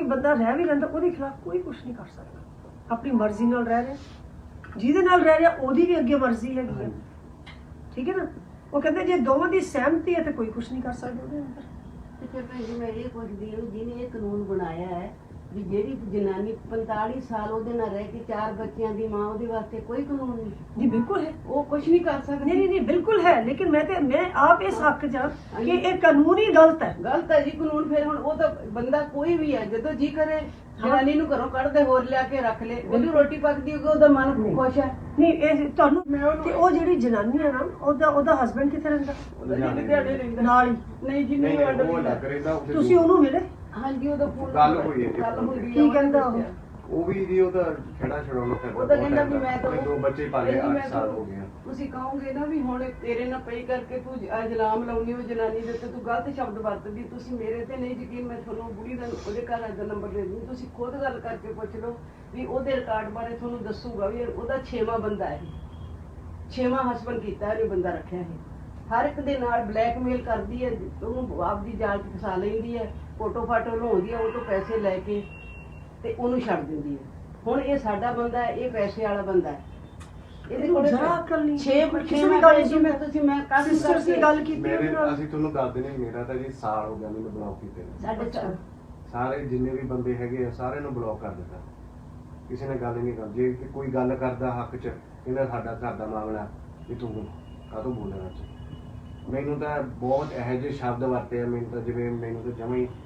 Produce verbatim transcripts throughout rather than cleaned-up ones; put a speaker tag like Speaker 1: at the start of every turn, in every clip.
Speaker 1: ਬੰਦਾ ਰਹਿ ਵੀ ਲੈਂਦਾ ਉਹਦੇ ਖਿਲਾਫ ਕੋਈ ਕੁਝ ਨਹੀਂ ਕਰ ਸਕਦਾ। ਆਪਣੀ ਮਰਜ਼ੀ ਨਾਲ ਰਹਿ ਰਿਹਾ, ਜਿਹਦੇ ਨਾਲ ਰਹਿ ਰਿਹਾ ਉਹਦੀ ਵੀ ਅੱਗੇ ਮਰਜ਼ੀ ਹੈਗੀ ਹੈ, ਠੀਕ ਹੈ ਨਾ। ਉਹ ਕਹਿੰਦੇ ਜੇ ਦੋਵਾਂ ਦੀ ਸਹਿਮਤੀ ਹੈ ਤਾਂ ਕੋਈ ਕੁਝ ਨਹੀਂ ਕਰ ਸਕਦਾ ਉਹਦੇ ਅੰਦਰ।
Speaker 2: ਤੇ ਫਿਰ ਭੈਣ ਜੀ ਮੈਂ ਇਹ ਪੁੱਛਦੀ ਹਾਂ, ਜਿਹਨੇ ਇਹ ਕਾਨੂੰਨ ਬਣਾਇਆ ਹੈ ਵੀ ਜਿਹੜੀ ਜਨਾਨੀ ਪੰਤਾਲੀ ਸਾਲ ਉਹਦੇ ਨਾਲ ਰਹਿ ਕੇ ਚਾਰ ਬੱਚਿਆਂ ਦੀ ਮਾਂ, ਉਹਦੇ ਵਾਸਤੇ ਕੋਈ ਕਾਨੂੰਨ ਨਹੀਂ?
Speaker 1: ਜੀ ਬਿਲਕੁਲ ਹੈ,
Speaker 2: ਉਹ ਕੁਝ ਨਹੀਂ ਕਰ ਸਕਦੀ।
Speaker 1: ਨਹੀਂ ਨਹੀਂ ਨਹੀਂ ਬਿਲकुल है, लेकिन मैं ते मैं आप इस हक च कि ये कानून ही गलत है।
Speaker 2: ਗਲਤ ਹੈ ਜੀ ਕਾਨੂੰਨ। ਫਿਰ ਹੁਣ ਉਹ ਤਾਂ ਬੰਦਾ ਕੋਈ ਵੀ ਹੈ ਜਦੋਂ ਜੀ ਕਰੇ ਜਨਾਨੀ ਨੂੰ ਘਰੋਂ ਕੱਢ ਦੇ, ਹੋਰ ਲਿਆ ਕੇ ਰੱਖ ਲੈ, ਉਹਦੀ ਰੋਟੀ ਪੱਕਦੀ ਹੋਊਗੀ, ਉਹਦਾ ਮਨ ਖੁਸ਼ ਹੈ।
Speaker 1: ਨਹੀਂ ਇਹ ਤੁਹਾਨੂੰ ਤੇ ਉਹ ਜਿਹੜੀ ਜਨਾਨੀ ਹੈ ਨਾ, ਉਹਦਾ ਉਹਦਾ ਹਸਬੰਡ ਕਿੱਥੇ ਰਹਿੰਦਾ?
Speaker 2: ਦਿਹਾੜੇ ਰਹਿੰਦਾ
Speaker 1: ਨਾਲ ਹੀ?
Speaker 2: ਨਹੀਂ ਜੀ, ਨਹੀਂ
Speaker 3: ਉਹ ਲੱਗ ਰਿਹਾ
Speaker 1: ਤੁਸੀਂ ਉਹਨੂੰ ਮਿਲੇ?
Speaker 2: ਹਾਂਜੀ ਉਹਦਾ ਫੋਨ
Speaker 3: ਗੱਲ ਹੋਈ ਹੈ ਜੀ।
Speaker 2: ਗੱਲ ਹੋਈ ਹੈ।
Speaker 1: ਕੀ ਕਹਿੰਦਾ ਉਹ?
Speaker 3: ਉਹ ਵੀ ਜੀ ਉਹਦਾ ਛੜਾ ਛਡਾਉਣਾ ਫਿਰਦਾ।
Speaker 2: ਉਹ ਤਾਂ ਕਹਿੰਦਾ ਵੀ ਮੈਂ ਤਾਂ
Speaker 3: ਦੋ ਬੱਚੇ ਪਾਲੇ, ਅੱਠ ਸਾਲ ਹੋ ਗਏ।
Speaker 2: ਤੁਸੀਂ ਕਹੋਗੇ ਨਾ ਵੀ ਹੁਣ ਤੇਰੇ ਨਾਲ ਪਈ ਕਰਕੇ ਤੂੰ ਇਲਜ਼ਾਮ ਲਾਉਣੀ ਉਹ ਜਨਾਨੀ ਦੇ ਉੱਤੇ, ਤੂੰ ਗਲਤ ਸ਼ਬਦ ਵਰਤਦੀ, ਤੁਸੀਂ ਮੇਰੇ ਤੇ ਨਹੀਂ ਯਕੀਨ, ਮੈਂ ਤੁਹਾਨੂੰ ਬੁੜੀ ਦਾ ਉਹਦੇ ਘਰ ਦਾ ਨੰਬਰ ਦੇ ਦੂੰ, ਤੁਸੀਂ ਖੁਦ ਗੱਲ ਕਰਕੇ ਪੁੱਛ ਲਓ ਵੀ ਉਹਦੇ ਰਿਕਾਰਡ ਬਾਰੇ ਤੁਹਾਨੂੰ ਦੱਸੂਗਾ ਵੀ ਉਹਦਾ ਛੇਵਾਂ ਬੰਦਾ ਹੈ, ਛੇਵਾਂ ਹਸਬੰਡ ਕੀਤਾ ਇਹ ਬੰਦਾ ਰੱਖਿਆ ਹੈ। ਹਰ ਇੱਕ ਦੇ ਨਾਲ ਬਲੈਕਮੇਲ ਕਰਦੀ ਹੈ, ਉਹਨੂੰ ਆਪਦੀ ਜਾਲ 'ਚ ਫਸਾ ਲੈਂਦੀ ਹੈ, ਫੋਟੋ ਫਾਟੋ ਲਾਉਂਦੀ ਹੈ, ਉਹ ਤੋਂ ਪੈਸੇ ਲੈ ਕੇ ਤੇ ਉਹਨੂੰ ਛੱਡ ਦਿੰਦੀ ਹੈ। ਹੁਣ ਇਹ ਸਾਡਾ ਬੰਦਾ ਹੈ, ਇਹ ਪੈਸੇ ਵਾਲਾ ਬੰਦਾ ਹੈ, ਇਹਦੇ ਕੋਲ
Speaker 1: ਜਰਾ ਅਕਲ ਨਹੀਂ।
Speaker 2: ਛੇ
Speaker 1: ਕਿਸੇ ਵੀ ਗੱਲ
Speaker 2: ਜੀ ਮੈਂ ਤੁਸੀਂ ਮੈਂ ਕਾਫੀ
Speaker 1: ਸਿਸਟਰਸ ਦੀ ਗੱਲ ਕੀਤੀ
Speaker 3: ਮੇਰੇ
Speaker 1: ਉਹਦੇ ਨਾਲ।
Speaker 3: ਅਸੀਂ ਤੁਹਾਨੂੰ ਦੱਸਦੇ ਨੇ, ਮੇਰਾ ਤਾਂ ਜੀ ਸਾਲ ਹੋ ਗਿਆ ਮੈਨੂੰ ਬਲੌਕ ਕੀਤੇ ਨੂੰ।
Speaker 2: ਸਾਡੇ ਚਾਰ
Speaker 3: ਸਾਰੇ ਜਿੰਨੇ ਵੀ ਬੰਦੇ ਹੈਗੇ ਆ ਸਾਰਿਆਂ ਨੂੰ ਬਲੌਕ ਕਰ ਦਿੱਤਾ। ਕਿਸੇ ਨੇ ਗੱਲ ਹੀ ਨਹੀਂ ਕਰਦੀ। ਜੇ ਕਿ ਕੋਈ ਗੱਲ ਕਰਦਾ ਹੱਕ 'ਚ, ਇਹਨਾਂ ਸਾਡਾ ਘਰ ਦਾ ਮਾਮਲਾ ਵੀ ਤੂੰ ਕਾਹਤੋਂ ਬੋਲਣਾ ਚ। ਮੈਨੂੰ ਤਾਂ ਬਹੁਤ ਇਹੋ ਜਿਹੇ ਸ਼ਬਦ ਵਰਤੇ ਆ, ਮੈਨੂੰ ਤਾਂ ਜਿਵੇਂ ਮੈਨੂੰ ਤਾਂ ਜਮਾਂ ਹੀ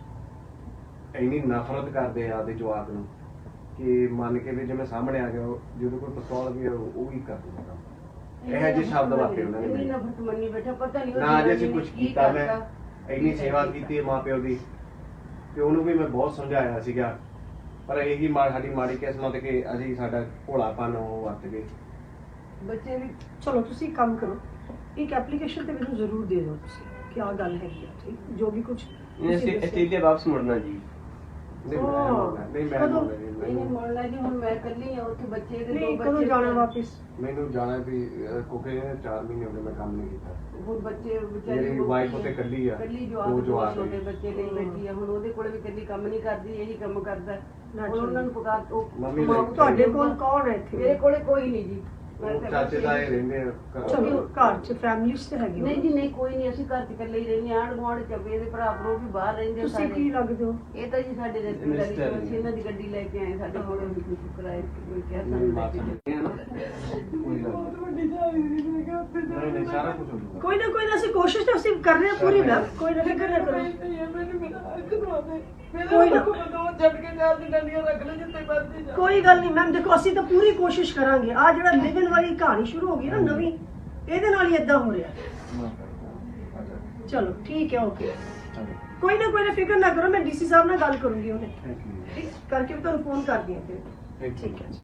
Speaker 3: ਇੰਨੀ ਨਫ਼ਰਤ ਕਰਦੇ ਆ ਆਪਦੇ ਜਵਾਕ ਨੂੰ ਕਿ ਮੰਨ ਕੇ ਵੀ ਜਿਵੇਂ ਸਾਹਮਣੇ ਆ ਗਿਆ ਜਦੋਂ ਕੋਈ ਪਿਸਤੌਲ ਵੀ ਉਹ ਵੀ ਕਰ ਦਿੰਦਾ ਕੰਮ। ਇਹੋ ਜਿਹੇ ਸ਼ਬਦ ਵਰਤੇ ਉਹਨਾਂ ਨੇ।
Speaker 2: ਇੰਨੀ ਨਫ਼ਰਤ ਮੰਨੀ ਬੈਠਾ, ਪਤਾ ਨਹੀਂ
Speaker 3: ਨਾ ਜੇ ਅਸੀਂ ਕੁਝ ਕੀਤਾ, ਮੈਂ ਇੰਨੀ ਸੇਵਾ ਕੀਤੀ ਹੈ ਮਾਂ ਪਿਓ ਦੀ, ਤੇ ਉਹਨੂੰ ਵੀ ਮੈਂ ਬਹੁਤ ਸਮਝਾਇਆ ਸੀਗਾ, ਪਰ ਇਹੀ ਮਾੜੀ ਸਾਡੀ ਮਾੜੀ ਕਿਸਮਤ ਕਿ ਅਸੀਂ ਸਾਡਾ ਭੋਲਾਪਨ ਉਹ ਵਰਤ ਗਏ।
Speaker 2: ਬੱਚੇ ਵੀ
Speaker 1: ਚਲੋ ਤੁਸੀਂ ਕੰਮ ਕਰੋ, ਇੱਕ ਐਪਲੀਕੇਸ਼ਨ ਤੇ ਮੈਨੂੰ ਜ਼ਰੂਰ ਦੇ ਦਿਓ ਤੁਸੀਂ ਕਿ ਆਹ ਗੱਲ ਹੈਗੀ ਆ, ਠੀਕ, ਜੋ ਵੀ ਕੁਝ
Speaker 4: ਆਸਟ੍ਰੇਲੀਆ ਵਾਪਸ ਮੁੜਨਾ ਜੀ।
Speaker 3: ਨਹੀਂ ਮੈਂ ਮੋੜਨਾ, ਨਹੀਂ ਮੈਂ
Speaker 1: ਕਦੋਂ?
Speaker 3: ਮੋੜਨਾ ਜੀ।
Speaker 2: ਇਹਨੇ
Speaker 3: ਮੈਨੂੰ
Speaker 2: ਮੁੜਨਾ ਜੀ, ਹੁਣ ਮੈਂ ਇਕੱਲੀ ਆ ਉੱਥੇ, ਬੱਚੇ ਦੇ ਦੋ
Speaker 1: ਨਹੀਂ
Speaker 2: ਬੱਚੇ।
Speaker 1: ਕਦੋਂ ਜਾਣਾ ਵਾਪਿਸ?
Speaker 3: ਮੈਨੂੰ ਜਾਣਾ ਵੀ ਅਹ, ਕਿਉਂਕਿ ਇਹਨੇ ਚਾਰ ਮਹੀਨੇ ਹੋ ਗਏ ਮੈਂ ਕੰਮ ਨਹੀਂ ਕੀਤਾ।
Speaker 2: ਹੁਣ ਬੱਚੇ ਵਿਚਾਰੀ
Speaker 3: ਮੇਰੀ ਵਾਈਫ ਉੱਥੇ ਇਕੱਲੀ ਆ,
Speaker 2: ਇਕੱਲੀ
Speaker 3: ਦੋ
Speaker 2: ਜਵਾਕ, ਦੋ
Speaker 3: ਜਵਾਕ
Speaker 2: ਛੋਟੇ
Speaker 3: ਨੇ।
Speaker 2: ਬੱਚੇ ਲਈ ਬੈਠੀ ਆ। ਹੁਣ ਉਹਦੇ ਕੋਲ ਵੀ ਇਕੱਲੀ ਕੰਮ ਨਹੀਂ ਕਰਦੀ, ਇਹੀ ਕੰਮ ਕਰਦਾ।
Speaker 1: ਨਾ
Speaker 2: ਹੁਣ ਉਹਨਾਂ ਨੂੰ ਪਕਾ ਉਹ
Speaker 3: ਮੰਮੀ
Speaker 2: ਮਾਂ-
Speaker 3: ਲਈ-
Speaker 1: ਤੁਹਾਡੇ ਕੋਲ ਕੌਣ ਹੈ ਇੱਥੇ?
Speaker 2: ਮੇਰੇ ਕੋਲੇ ਕੋਈ ਨਹੀਂ ਜੀ। ਮੈਂ
Speaker 3: ਉਹ
Speaker 2: ਤਾਂ
Speaker 3: ਚਾਚੇ ਦਾ ਇਹ ਰਹਿੰਦੇ ਆ ਘਰ।
Speaker 1: ਚਲੋ ਘਰ ਚ ਫੈਮਿਲੀਜ਼ ਤੇ ਹੈਗੀ
Speaker 2: ਨਹੀਂ ਜੀ ਨਹੀਂ, ਕੋਈ ਨਹੀਂ, ਅਸੀਂ ਘਰ ਚ ਇਕੱਲੇ ਹੀ ਰਹਿੰਦੇ ਹਾਂ। ਆਂਢ ਗੁਆਂਢ ਚ ਵੀ ਇਹਦੇ ਭਰਾ ਭਰੋ ਵੀ ਬਾਹਰ ਰਹਿੰਦੇ
Speaker 1: ਤੁਸੀਂ
Speaker 2: ਸਾਰੇ।
Speaker 1: ਕੀ ਲੱਗਦੇ ਹੋ?
Speaker 2: ਇਹ ਤਾਂ ਜੀ ਸਾਡੇ ਰਿਸ਼ਤੇਦਾਰੀ ਚ ਅਸੀਂ ਇਹਨਾਂ ਦੀ ਗੱਡੀ ਲੈ ਕੇ ਆਏ, ਸਾਡੇ ਕੋਲ ਵੀ ਕੁਝ ਕਰਾਏ ਕੋਈ ਕਿਹਾ
Speaker 3: ਮੇਰੀ
Speaker 2: ਸਾਨੂੰ ਲੈ
Speaker 3: ਮਾਂ
Speaker 2: ਕੇ ਜਾਓ।
Speaker 3: ਸਮਝਦੀ ਹੈ ਨਾ, ਕੋਈ ਗੱਲ ਨਹੀਂ। ਨਹੀਂ ਨਹੀਂ ਸਾਰਾ ਕੁਝ ਹੋ ਜਾਊਗਾ।
Speaker 1: ਕੋਈ ਨਾ ਕੋਈ ਨਾ ਅਸੀਂ ਕੋਸ਼ਿਸ਼ ਤਾਂ ਅਸੀਂ ਕਰ ਰਹੇ ਹਾਂ ਪੂਰੀ ਮੈਮ, ਕੋਈ ਨਾ ਫਿਕਰ ਨਾ ਕਰੋ। ਕੋਈ ਨਾ ਕੋਈ ਗੱਲ ਨਹੀਂ ਮੈਮ, ਦੇਖੋ ਅਸੀਂ ਤਾਂ ਪੂਰੀ ਕੋਸ਼ਿਸ਼ ਕਰਾਂਗੇ। ਆ ਜਿਹੜਾ ਲਿਵਨ ਵਾਲੀ ਕਹਾਣੀ ਸ਼ੁਰੂ ਹੋ ਗਈ ਨਾ ਨਵੀਂ, ਇਹਦੇ ਨਾਲ ਹੀ ਏਦਾਂ ਹੋ ਰਿਹਾ। ਚਲੋ ਠੀਕ ਹੈ, ਓਕੇ, ਕੋਈ ਨਾ ਕੋਈ ਨਾ ਫਿਕਰ ਨਾ ਕਰੋ, ਮੈਂ ਡੀਸੀ ਸਾਹਿਬ ਨਾਲ ਗੱਲ ਕਰੂੰਗੀ, ਉਹਨੇ
Speaker 3: ਥੈਂਕ ਯੂ।
Speaker 1: ਠੀਕ ਕਰਕੇ ਵੀ ਤੁਹਾਨੂੰ ਫੋਨ ਕਰਦੀ ਹਾਂ ਫਿਰ।
Speaker 3: Thank you.
Speaker 1: ਠੀਕ ਹੈ।